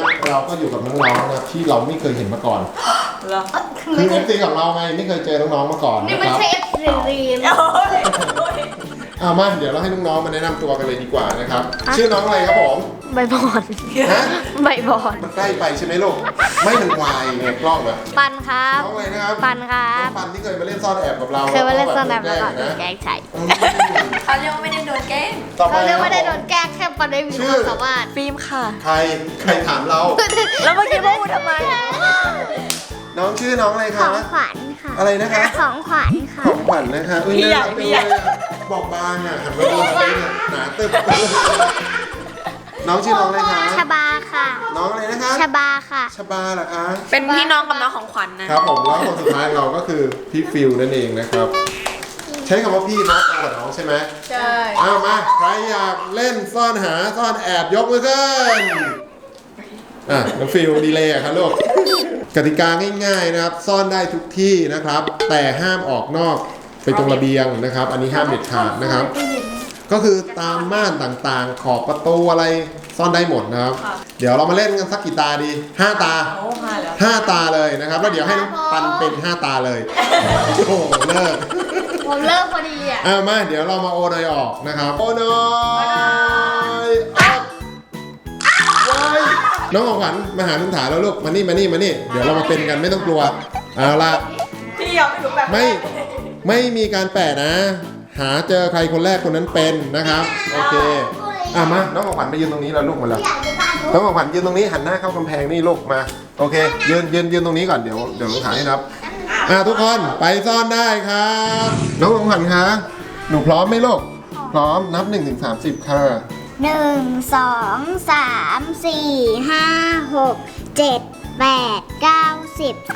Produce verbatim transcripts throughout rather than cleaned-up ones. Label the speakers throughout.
Speaker 1: เราก็อยู่กับน้องๆนะที่เราไม่เคยเห็นมาก่อนคือเอฟซีของเราไงไม่เคยเจอน้องๆมาก่อน
Speaker 2: นี่
Speaker 1: นะ
Speaker 2: ไม่
Speaker 1: ครับ
Speaker 2: ใช่เอฟซีรีม
Speaker 1: อ่ามาเดี๋ยวเราให้น้องๆมาแนะนำตัวกันเลยดีกว่านะครับชื่อน้องอะไรครับผม
Speaker 2: ใบบอน
Speaker 1: ฮะ
Speaker 2: ใบบอน
Speaker 1: มันใกล้ไปใช่ไหมลูกไม่มันวายไงกล้องอะ
Speaker 2: ปันครับ
Speaker 1: น้องอะไรนะครับ
Speaker 2: ปันครั
Speaker 1: น้อบ งปันที่เคยมาเล่นซ่อนแอบกับเรา
Speaker 2: เคยมาเล่นสนาม
Speaker 1: แล้
Speaker 2: แล้ว ว
Speaker 1: ก็
Speaker 2: ก็
Speaker 1: แบบ
Speaker 2: โดน
Speaker 1: แก
Speaker 2: แก
Speaker 1: ล้
Speaker 2: ล้
Speaker 1: ง
Speaker 2: งใส่
Speaker 3: เขาเรียกว่าไม่ได้โดนแกล้ง
Speaker 1: ต่อไป
Speaker 2: เขาเรียกว่าได้โดนแกล้งแค่ปันได้มีความสามารถ
Speaker 3: ฟิล์มค่ะ
Speaker 1: ใครใครถามเรา
Speaker 3: แล้วเมื่อกี้พูดทำไม
Speaker 1: น้องชื่อน้องอะไร
Speaker 2: ข
Speaker 1: คะ
Speaker 2: องขวัญค่ะ
Speaker 1: อะไรนะคะ
Speaker 2: ของขวัญค่ะ
Speaker 1: ของขวัญนะคะอุ้ย
Speaker 3: พี่ใหญ่
Speaker 1: น่ารัก
Speaker 3: พี่ใหญ่
Speaker 1: จังเลยอะบอกบางอ่ะหันมาดูหน่อยเนี่ยหนาตึ๊บน้องชื่อน้องอะไรคะ
Speaker 2: ชบาค่ะ
Speaker 1: น้องอะไรนะคะ
Speaker 2: ชบาค่ะ
Speaker 1: ชบาเหรอคะ
Speaker 3: เป็นพี่น้องกับน้องของขวัญนะ
Speaker 1: ครับผมแล้วคนสุดท้ายเราก็คือพี่ฟิลนั่นเองนะครับ ใช้คำว่าพี่นะเอากับน้องใช่ไหม
Speaker 3: ใช่
Speaker 1: เอามาใครอยากเล่นซ่อนหาซ่อนแอบยกมือขึ้นอ่ะน้องฟิลดีเลยอะครับลูกกติกาง่ายๆนะครับ ซ่อนได้ทุกที่นะครับ แต่ห้ามออกนอกไปตรงระเบียงนะครับ อันนี้ห้ามเด็ดขาดนะครับ ก็คือตามม่านต่างๆ ขอบประตูอะไรซ่อนได้หมดนะครับ เดี๋ยวเรามาเล่นกันสักกี่ตาดีห้าตา
Speaker 3: โอ้มาแล้ว
Speaker 1: ห้าตาเลยนะครับแล้วเดี๋ยวให้น้องปันเป็นห้าตาเลยโอ้โหเลิก
Speaker 2: ผมเลิกพอดีอ่ะ
Speaker 1: อ่ะมาเดี๋ยวเรามาโอนอยออกนะครับโอนอยออกไว้น้องของขวัญมาหาลุงถาแล้วลูกมานี่มานี่มานี่เดี๋ยวเรามาเป็นกันไม่ต้องกลัวเอาละ
Speaker 3: พี่ยอมไม่รู้แบบ
Speaker 1: ไม่ไม่มีการแปะนะ หาเจอใครคนแรกคนนั้นเป็นนะครับโอเคอ่ะมาน้องของขวัญไปยืนตรงนี้แล้วลูกมาแล้วน้องของขวัญยืนตรงนี้หันหน้าเข้ากำแพงนี่ลูกมาโอเคยืนยืนยืนตรงนี้ก่อนเดี๋ยวเดี๋ยวลุงถาให้นับอ่ะทุกคนไปซ่อนได้ครับน้องของขวัญคะหนูพร้อมไหมลูกพร้อมนับหนึ่งถึงสามสิบค่ะ
Speaker 2: หนึ่งสองสามสี่ห้าหกเจ็ดแปดเก้าสิบ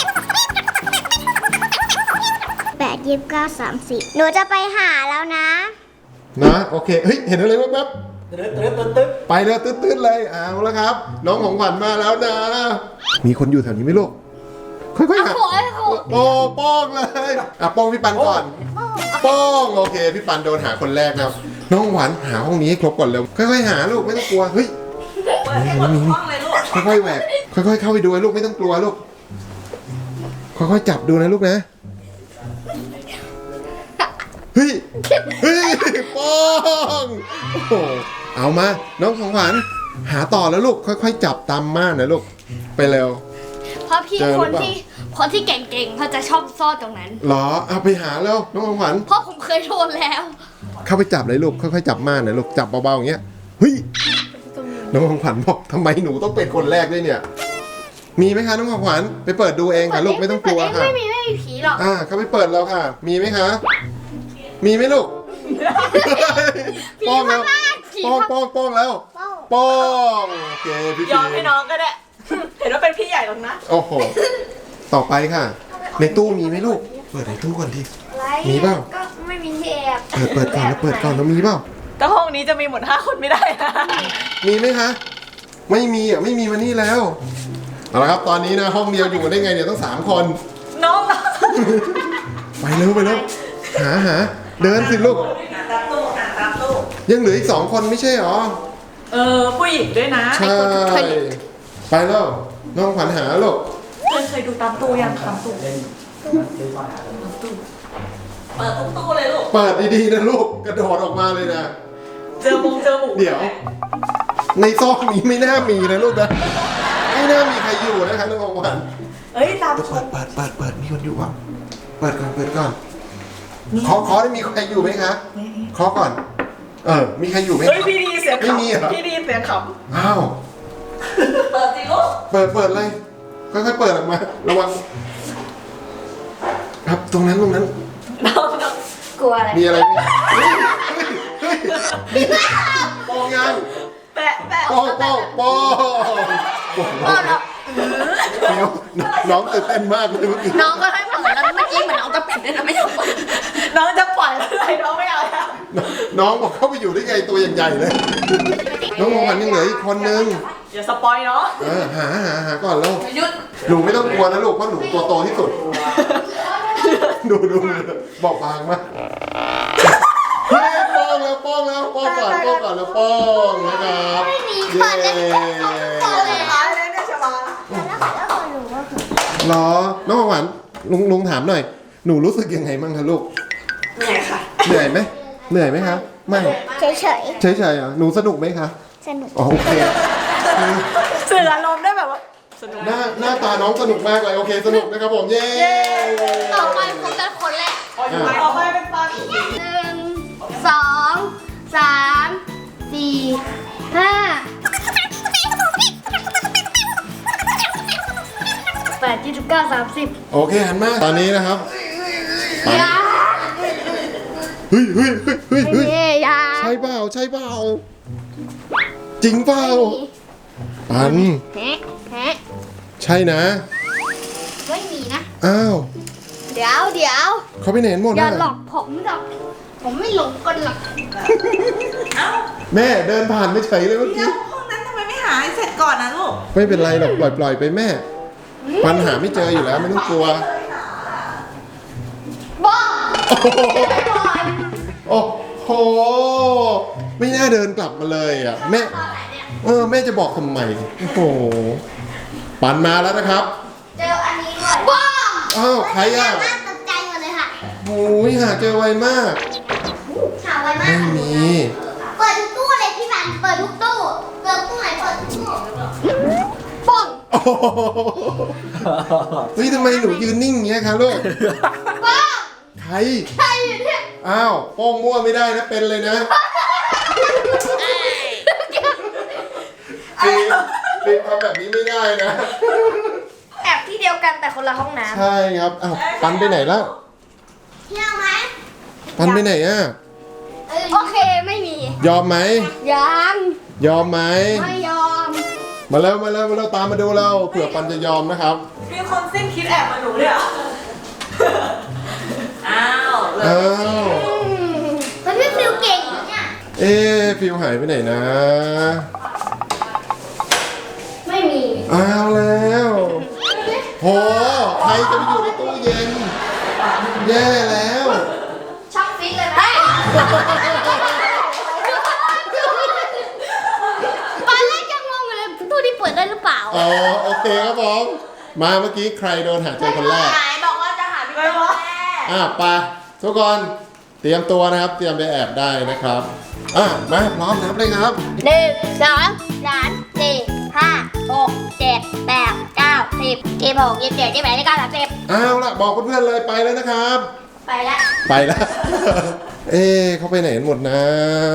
Speaker 2: แปดยี่สิบเก้าสามสิบหนูจะไปหาแล้วนะ
Speaker 1: นะโอเคเฮ้ยเห็นอะไรแป๊บๆไปเลยตื้นๆเลยเอาแล้วครับ น้องของขวัญมาแล้วนะ มีคนอยู่แถวนี้ไหมลูกค่อยๆหา
Speaker 2: โอ้ยโอ้ย
Speaker 1: โอ้โป้งเลยอ่ะโป้งพี่ปันก่อนโป้งโอเคพี่ปันโดนหาคนแรกนะครับน้องหวานหาห้องนี้ให้ครบก่อนเร็วค่อยๆหาลูกไม่ต้องกลัวเฮ้ย
Speaker 3: เปิดให้หมดทุกห้องเลยลูก
Speaker 1: ค่อยๆแหวกค่อยๆเข้าไปดูนะลูกไม่ต้องกลัวลูกค่อยๆจับดูนะลูกนะเฮ้ยเฮ้ยโป้งโอ้โหเอามาน้องของขวัญหาต่อแล้วลูกค่อยๆจับตามม่านนะลูกไปเร็ว
Speaker 2: เพราะพี่
Speaker 1: เจอหรือ
Speaker 2: คน
Speaker 1: เปล่า
Speaker 2: ที่คนที่เก่งๆเขาจะชอบซ่อนตรงนั้น
Speaker 1: เหรอเอาไปหาแล้วน้องของขวัญ
Speaker 2: เพราะผมเคยโดนแล้ว
Speaker 1: เข้าไปจับเลยลูกค่อยๆจับม่านนะลูกจับเบาๆอย่างเงี้ยเฮ้ยน้องของขวัญบอกทำไมหนูต้องเป็นคนแรกด้วยเนี่ย มีไหมคะน้องของขวัญไปเปิดดูเองค่ะลูกไม่ต้องกลัวค่ะ
Speaker 2: ไม่มีไม่มีผีหรอก
Speaker 1: อ่าเขาไปเปิดแล้วค่ะ มีไหมคะ มีไหมลูกป้องแล้วป้องป้องป้องแล้วป้องโอเคพี่
Speaker 3: ย
Speaker 1: พี
Speaker 3: อมให้น้องก็ได้ เห็นว่าเป็นพี่ใหญ่หรอกนะ
Speaker 1: โอ้โหต่อไปค่ะ ในตู้มีไหมลูกเปิดในตู้ก่อนดิมีเปล่า
Speaker 2: ก็ไม่มีที่แอบ
Speaker 1: เปิดเปิดก่อนแล้วเปิดก่อนแล้วมีเปล่า
Speaker 3: แต่ห้องนี้จะมีหมดห้าคนไม่ได้นะ
Speaker 1: มีไหมคะ ไม่มีอ่ะไม่มีมานี่แล้วเอาละครับตอนนี้นะห้องเดียวอยู่กันได้ไงเนี่ยต้องสามคน
Speaker 3: น้อง
Speaker 1: ไปเร็วไปเร็วหาหาเดินสิลูก
Speaker 3: อ่านตามตู้อ่านตามตู้
Speaker 1: ยังเหลืออีกสองคนไม่ใช่หรอ
Speaker 3: เออผู้หญิงด้วยนะ
Speaker 1: ใช่ไปแล้วน้องขวัญหาลูก
Speaker 3: เคยเคยดูตามตู้ยังตามตู้เปิดทุกตู้เลยลูก
Speaker 1: เปิดดีๆนะลูกกระโดดออกมาเลยนะ
Speaker 3: เจอมงเจอหมู
Speaker 1: เดี๋ยว ในซอกนี้ไม่น่ามีนะลูกนะไม่น่ามีใครอยู่นะคะน้องของขวัญ
Speaker 3: เอ้ยตาม
Speaker 1: เปิดเปิดเปิดเปิดมีคนอยู่เปล่าเปิดก่อนเปิดก่อนเคาะเคาะได้มีใครอยู่ไหมคะเคาะก่อน เออมีใครอยู่ไหม
Speaker 3: เฮ้ยพี่ดีเสียง
Speaker 1: ไม่มีเหรอ
Speaker 3: ขำพี่ดีเสียงข
Speaker 1: อ้าว
Speaker 3: ำเปิดสิลูก
Speaker 1: เปิดเปิดเลยค่อยๆเปิดออกมาระวังครับตรงนั้นตรงนั้น
Speaker 3: น้องน้อง
Speaker 2: กลัวอะไร
Speaker 1: มีอะไรไหมเฮ้ยเฮ้ยเฮ้ยนี่ปองยัง
Speaker 3: แปะแปะ
Speaker 1: ปองปองปองเดี๋ยวน้องตื่นเต้นมากเลยเมื่อกี้
Speaker 2: น้องก็ให้เปิดแล้วเมื่อกี้เหมือนน้องจะปิดด้วยนะไม่ยอมเปิด
Speaker 3: น้องจะปล่อยอะไรน้องไม่เอาแล้ว
Speaker 1: น้องบอกเข้าไปอยู่ได้ไงตัวใหญ่ๆเลย น้องมองวันยังเหลืออีกคนนึง
Speaker 3: อย่าสปอยเนาะ
Speaker 1: เออหาหาหาก่อนแล้ว
Speaker 3: หยุด
Speaker 1: หนูไม่ต้องกลัวนะลูกเพราะหนูตัวโตที่สุด ดูดูบอกบางมากเฮ้ยป้องแล้วป้องแล้วป้องก่อนป้องก่อนแล้วป้องนะครับเย้
Speaker 3: เลย
Speaker 1: เหรอน้องของขวัญลุงลุงถามหน่อยหนูรู้สึกยังไงบ้างคะลูก
Speaker 3: เหนื่อยค่ะ
Speaker 1: เหนื่อยไหมเหนื่อยไหมครับไม่
Speaker 2: เฉย
Speaker 1: เฉยๆอ่ะหนูสนุกไหมคะ
Speaker 2: ๆสนุก
Speaker 1: อ๋อโอเค
Speaker 3: สื่ออารมณ์ได้แบบว่าสนุก
Speaker 1: หน้าหน้าตาน้องสนุกมากเลยโอเคสนุกนะครับผมเย้
Speaker 2: ต่อไปผมเป็นคนแรก
Speaker 3: ออกไปเป็นตอน
Speaker 2: หนึ่งสองสามสี่ห้าแปดยี่สิบเก้าสามสิบ
Speaker 1: โอเคหันมาตอนนี้นะครับ
Speaker 2: ยา
Speaker 1: เฮ้ยเฮ้ยเฮ้ยเฮ้ยเฮ้ย
Speaker 2: เฮ้ยยา
Speaker 1: ใช่เปล่าใช่เปล่าจริงเปล่าปัน
Speaker 2: แฮะแฮะ
Speaker 1: ใช่นะ
Speaker 2: ไม่มีนะ
Speaker 1: อ้าว
Speaker 2: เดี๋ยวเดี๋ยว
Speaker 1: เขาไปไหนหมด
Speaker 2: อย่า
Speaker 1: อ่ะ
Speaker 2: หลอกผมหรอกผมไม่หลงกันหรอก
Speaker 3: เอ้า
Speaker 1: แม่เดินผ่านไปเฉยเลยเมื่อ
Speaker 3: เดี๋
Speaker 1: กี้
Speaker 3: ยวห้องนั้นทำไมไม่หาให้เสร็จก่อนนะลูก
Speaker 1: ไม่เป็นไรหรอกปล่อยปล่อยไปแม่ ปัญหาไม่เจออยู่แล้วไม่ต้องกลัว
Speaker 2: บ้า
Speaker 1: โอ้โหไม่น่าเดินกลับมาเลยอ่ะแม่เออแม่จะบอกทำไมโอ้โหปันมาแล้วนะครับ
Speaker 2: เจออันนี้ด้วยบ้า
Speaker 1: อ้าวใครอ่ะ
Speaker 2: น่าตกใจหมดเลยค่ะ
Speaker 1: โอ้ยหาเจอไวมาก
Speaker 2: หาไวมาก
Speaker 1: ไม่มี
Speaker 2: เปิดทุกตู้เลยพี่บันเปิดทุกตู้เปิดตู้ไหนเปิดทุกตู้ป้อง
Speaker 1: โอ้โหเฮ้ยทำไมหนูยืนนิ่งอย่างเงี้ยคะลูก
Speaker 2: ป้อง
Speaker 1: ใคร
Speaker 2: ใครอยู่เนี่ย
Speaker 1: อ้าวโป้งมั่วไม่ได้นะเป็นเลยนะฟิล์มฟิล์มทำแบบนี้ไม่ได้นะ
Speaker 2: แอบที่เดียวกันแต่คนละห้องน้
Speaker 1: ใช่ครับอ้าวปันไปไหนแล้ว
Speaker 2: ำเที่ยวไหม
Speaker 1: ปันไปไหนอ่ะ
Speaker 2: โอเคไม่มี
Speaker 1: ยอมไหม
Speaker 2: ยัง
Speaker 1: ยอมไหม
Speaker 2: ไม่ยอม
Speaker 1: มาแล้วมาแล้วมาแล้วตามมาดูเราเผื่อปันจะยอมนะครับ
Speaker 3: มีคนสิ้นคิดแอบมาหนูเลยเหรออ้าวเลย
Speaker 1: อ้าว
Speaker 2: แล้วพี่ฟิวเก่งเหรอเนี่ย
Speaker 1: เอ๊ะฟิวหายไปไหนนะ
Speaker 2: ไม่มี
Speaker 1: อ้าวแล้วโหใครจะไปอยู่ในตู้เย็น แย่แล้ว
Speaker 2: ช่องฟิตเลยไหมตอนแรกยังงงอยู่เลยตู้นี้เปิดได้หรือเปล่า
Speaker 1: อ๋อโอเคครับผมมาเมื่อกี้ใครโดนหาเจอคนแรก
Speaker 3: ไหนบอกว่าจะหาพี่แม่
Speaker 1: อ่ะไปทุกคนเตรียมตัวนะครับ เตรียมไปแอบได้นะครับอ่ะมาพร้อมนับเลยครับ
Speaker 2: หนึ่งสองสามสี่ห้าหกเจ็ดแปดเก้าสิบยี่สิบหกยี่สิบเจ็ดยี่สิบแปดยี่สิบเก้าสามสิบ
Speaker 1: เอาละบอกเพื่อนๆเลยไปแล้วนะครับ
Speaker 2: ไปแล้ว
Speaker 1: ไปแล้ว เอ๊ะเขาไปไหนกันหมดนะ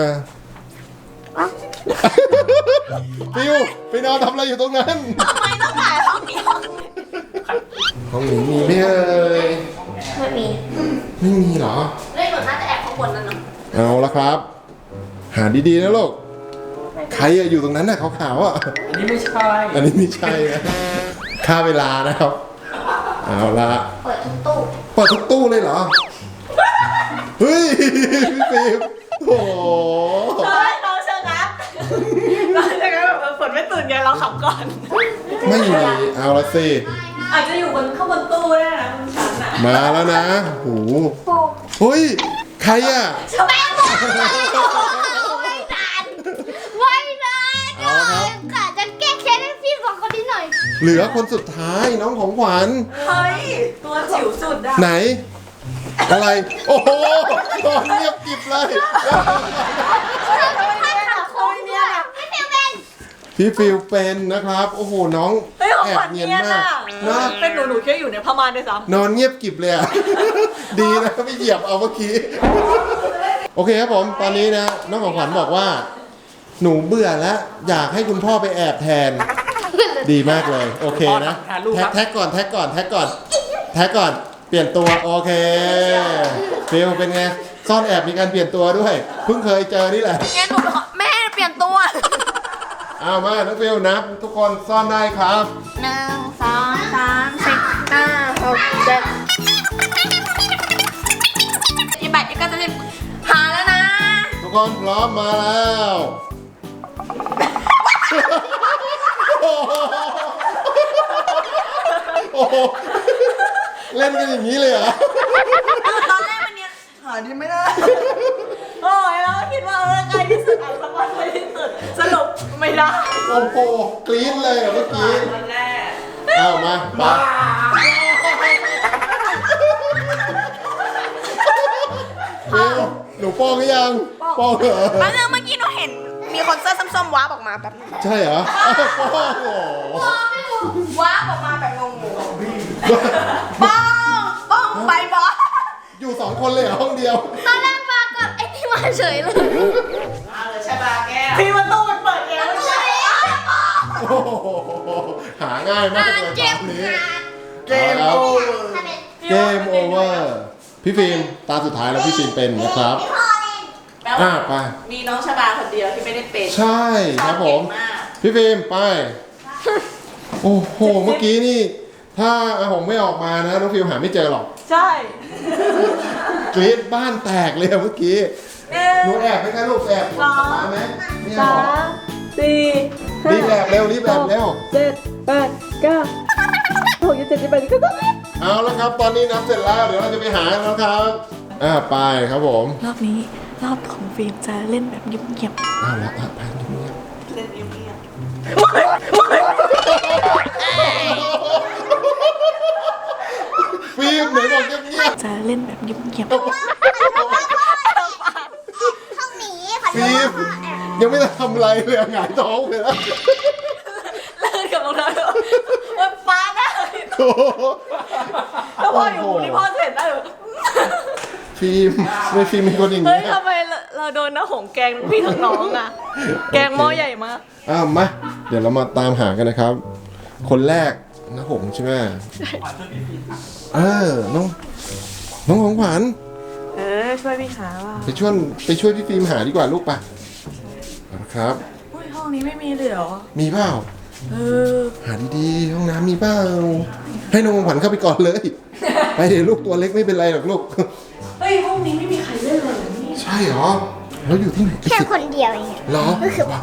Speaker 1: ฟิวไปนอนทำอะไรอยู่ตรงนั้น
Speaker 3: ทำไมต้องถ่ายห้องเดียว
Speaker 1: ห้องหนูมีไหมเอ่ย
Speaker 2: ไม่มี
Speaker 1: ไม่มีเหรอ
Speaker 2: เล่นหนูน่าจะแอบข้างบนนั่นเนาะ
Speaker 1: เอาละครับ หาดีๆนะลูกใครอะอยู่ตรงนั้นน่ะขาวๆอ่ะ
Speaker 4: อันนี้ไม่ใช่
Speaker 1: อันนี้ไม่ใช่นะค่าเวลานะครับ เอาละ
Speaker 2: เปิดทุกตู้
Speaker 1: เปิดทุกตู้เลยเหรอ เฮ้ยพี่ฟิล์มโอ้โห
Speaker 3: เฮ้ยเราเชิงนะเราเชิงนะแบบฝนไม่ตื่นไงเราขับก่อน
Speaker 1: ไม่มีเอาละสิ
Speaker 3: อาจจะอยู่บนข้างบนตู้ได้นะบนชั้นอ่ะ
Speaker 1: มาแล้วนะโอ้โหเฮ้ยใครอ่ะ
Speaker 2: แม่บอกไม่นานไม่นาน
Speaker 1: เอาละครับ
Speaker 2: กะจะแก้แค้นให้พี่สองคนนี้หน่อย
Speaker 1: เหลือคนสุดท้ายน้องของขวัญ
Speaker 3: เฮ้ยตัวจิ๋วสุดอ่ะ
Speaker 1: ไหน อะไร โอ้โหนอนเงียบกริบเลย
Speaker 2: ถ้าขับโค้งเนี่ยไม่เฟลเป็น
Speaker 1: พี่ฟิลเป็นนะครับ โอ้โหน้อง
Speaker 3: เฮ้ยของ
Speaker 1: แอ
Speaker 3: ข
Speaker 1: บ
Speaker 3: วัญ
Speaker 1: เนี
Speaker 3: เนี
Speaker 1: ย
Speaker 3: ย
Speaker 1: น
Speaker 3: น
Speaker 1: มา
Speaker 3: อ่ะ
Speaker 1: กนะ
Speaker 3: เป็นหนูหนูแค่อยู่ในผ้าม่านด้วยซ้
Speaker 1: นอนเงียบกริบเลยอะ ดีนะไม่เหยียบเอาเมื่อกี้ โอเคครับผมตอนนี้นะน้องของขวัญบอกว่า หนูเบื่อแล้วอยากให้คุณพ่อไปแอบแทน ดีมากเลย โอเคนะแท็กแท็กก่อนแท็กก่อนแท็กก่อนแท็กก่อนเปลี่ยนตัวโอเคฟิลเป็นไงซ่อนแอบมีการเปลี่ยนตัวด้วยเพิ่งเคยเจอนี่แหละ
Speaker 3: ำแกหนูแม่เปลี่ยนตัว
Speaker 1: เอามาน้องฟิลนับทุกคนซ่อนได้ครับ
Speaker 2: หนึ่งสองสามสี่ห้าหกเจ็ด
Speaker 3: ยี่แปดยี่เก้าจะสิบหาแล้วนะ
Speaker 1: ทุกคนพร้อมมาแล้วโอ้โหเล่นกันอย่างนี้เลยเหรอ
Speaker 3: ตอนแรกมันเนี่ยหาดีไม่ได้ โอ้ยเราก็คิดว่าเออใกล้ที่สุดอ่ะสักวันใกล้ที่สุดสรุปไม่ได้
Speaker 1: โอ้โหกรี๊ดเลยอะเมื่อกี้
Speaker 3: วันแรก
Speaker 1: อเอามามาฟิวหนูป้องหรือยังป้องเหรอ
Speaker 3: แป๊บนึงเมื่อกี้หนูเห็นมีคนเสื้อส้มๆว้าบออกมาแบบนึง
Speaker 1: ใช่เหรออ้าวป้องโอ้โห
Speaker 3: ว้าบออกมาแบบงงๆป้องป้องใบบอส
Speaker 1: อยู่สองคนเลยเหรอห้องเดียว
Speaker 2: ตอนแรกมากับไอ้ที่มาเฉยเลย
Speaker 3: พี่ประตูมันเปิดเองไม่ใช่
Speaker 1: โอ้โหหาง่ายมากเลยตอนนี้
Speaker 3: เกมโอเวอร์
Speaker 1: เกมโอเวอร์พี่ฟิล์มตาสุดท้ายแล้วพี่ฟิล์มเป็นนะครับ
Speaker 3: แปล
Speaker 1: อ่า
Speaker 3: ว่า
Speaker 1: ไป
Speaker 3: มีน้องชบาคนเดียวที่ไม่ได้เป็น
Speaker 1: ใช่ครับผม
Speaker 3: เก่งาก
Speaker 1: พี่ฟิล์มไป โอ้โห เมื่อกี้นี่ ถ้าอาหงไม่ออกมานะน้องฟิล์มหาไม่เจอหรอก
Speaker 3: ใช่
Speaker 1: กรี๊ดบ้านแตกเลยอะเมื่อกี้
Speaker 3: หนึ่ง
Speaker 1: หนูแอบไหมคะลูกแอบสามไหมไม่เอา
Speaker 3: สา
Speaker 1: หรอ
Speaker 3: มสี่
Speaker 1: รีบแอบเร็วรีบแอบเร็ว
Speaker 3: เจ็ดแปดเก้าหกเจ็ดแปดเก้า
Speaker 1: เอาแล้วครับ ตอนนี้นับเสร็จแล้ว เดี๋ยวเราจะไปหาแล้วครับ อ่าไปครับผม
Speaker 3: รอบนี้รอบของฟิล์มจะเล่นแบบเงียบ
Speaker 1: เอาละอ่ะไปดูเนี่ย
Speaker 3: ๆเล่นเงียบ
Speaker 1: ฟิล์มไหนบอกเงียบ
Speaker 3: ๆจะเล่นแบบเงียบ
Speaker 1: ๆ
Speaker 2: ห้องหนีขอโท
Speaker 1: ฟิล์
Speaker 2: ษ
Speaker 1: มยังไม่ได้ทำอะไรเลยอะหงายท้องเลยนะ
Speaker 3: ๆเล่นกับรองเท้ามันฟ้าหน้า
Speaker 1: โอ้โห
Speaker 3: ถ้าพ่ออยู่นี่พ่อเสร็จได้เหรอ
Speaker 1: ฟิล์มไม่ฟิล์มเป็นคนอย่าง
Speaker 3: เฮ้ย
Speaker 1: นี้
Speaker 3: ทำไมเราโดนน้าหงแกงทั้งพี่ทั้งน้องอ่ะ แกงหม้อใหญ่มาก
Speaker 1: อ้าวมาเดี๋ยวเรามาตามหากันนะครับ คนแรกนะหงใช่ไหมเออน้องน้องของขวัญ
Speaker 3: เออช่วยพี่หาว่า
Speaker 1: ไปช่วยไปช่วยพี่ฟิล์มหาดีกว่าลูกปะเอาละครับ
Speaker 3: อุ้ยห้องนี้ไม่มีเลยเหรอ
Speaker 1: มีเปล่า
Speaker 3: เออ
Speaker 1: หาดีๆห้องน้ำมีเปล่าให้น้องของขวัญเข้าไปก่อนเลย ไปเดี๋ยวลูกตัวเล็กไม่เป็นไรหรอกลูก
Speaker 3: เฮ้ยห้องนี้ไม่มีใครเล่นเลยเหรอนี่
Speaker 1: ใช่เหรอแล้วอยู่ที่ไหน
Speaker 2: แค่คนเดียวเอง
Speaker 1: เหรอ
Speaker 2: ก็คือพ่อ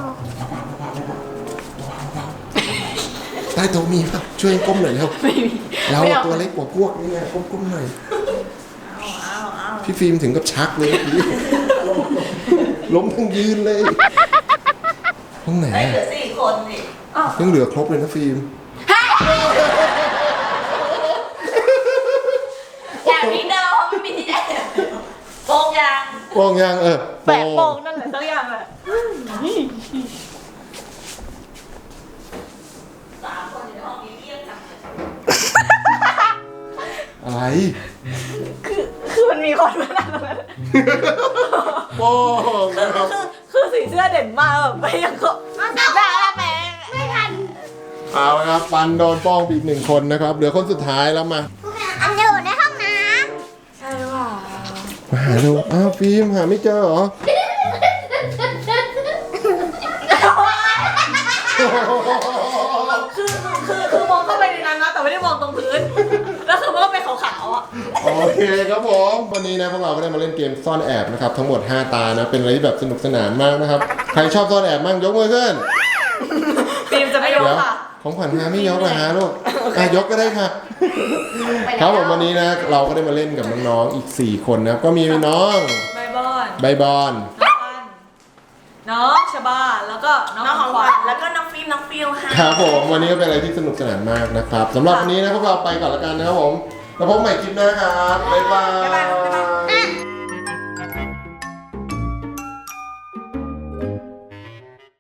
Speaker 1: ใต้โต๊ะมีป่ะช่วยก้มหน่อยเร็ว
Speaker 3: ไม่มี
Speaker 1: เรา
Speaker 3: ไม่อ
Speaker 1: ตัวเล็กกว่าพวกนี่ไงก้มๆหน่อย
Speaker 3: เอาเอา
Speaker 1: พี่ฟิล์มถึงกับชักเลยเมื่อกี้ล้มทั้งยืนเลยห้องไหน
Speaker 3: เห
Speaker 1: อะ
Speaker 3: ลือสี่คนนี่อ้าว
Speaker 1: ยังเหลือครบเลยนะฟิล์ม
Speaker 3: อย่างนี้เดิมเขาไม่มีที่ไหนโป่งยาง
Speaker 1: โป้งยังเออ
Speaker 3: แปะโป่งนั่นแหละสักอย่างแหละสามคนอยู่ในห้องนี้เรียกจังเลย
Speaker 1: อะไร
Speaker 3: คือคือมันมีคนมานั่งตรงนั้น
Speaker 1: โป้งนะครับ
Speaker 3: คือคือสีเสื้อเด่นมากแบบไม่ยังก็ด่าละแม่
Speaker 2: ไม่ทัน
Speaker 1: เอาละครับปันโดนโป้งไปอีกหนึ่งคนนะครับเหลือคนสุดท้ายแล้วมา
Speaker 2: อันอยู่ในห้องน้
Speaker 3: ใช่ว่า
Speaker 1: มาหาดูอ้าวฟิล์มหาไม่เจอเหรอ
Speaker 3: คือคือคือมองเข้าไปในนั้นนะแต่ไม่ได้มองตรงพื้นแล้วคือมันก็เป็นขาวๆอ่ะ
Speaker 1: โอเคครับผมวันนี้นะพวกเราก็ได้มาเล่นเกมซ่อนแอบนะครับทั้งหมดห้าตานะเป็นอะไรที่แบบสนุกสนานมากนะครับใครชอบซ่อนแอบมั่งยกมือขึ้น
Speaker 3: ฟิล์มจะไม่ยก
Speaker 1: เดี๋ยว
Speaker 3: ค่ะ
Speaker 1: ของขวัญหาไม่ยกเหรอฮะลูกอ่ะยกก็ได้ค่ะ ครับผมวันนี้นะเราก็ได้มาเล่นกับน้องๆอีกสี่คนนะครับก็มีน้อง
Speaker 3: ใบบอน
Speaker 1: ใบบอล
Speaker 3: น้องปันน้องชบาแล้วก็น้องของขวัญแล้วก็น้องฟิล์มน้องฟิลค่ะ
Speaker 1: ครับผมวันนี้ก็เป็นอะไรที่สนุกสนานมากนะครับสำหรับวันนี้นะพวกเราไปก่อนละกันนะครับผมแล้วพบใหม่คลิปหน้าครับบ๊ายบาย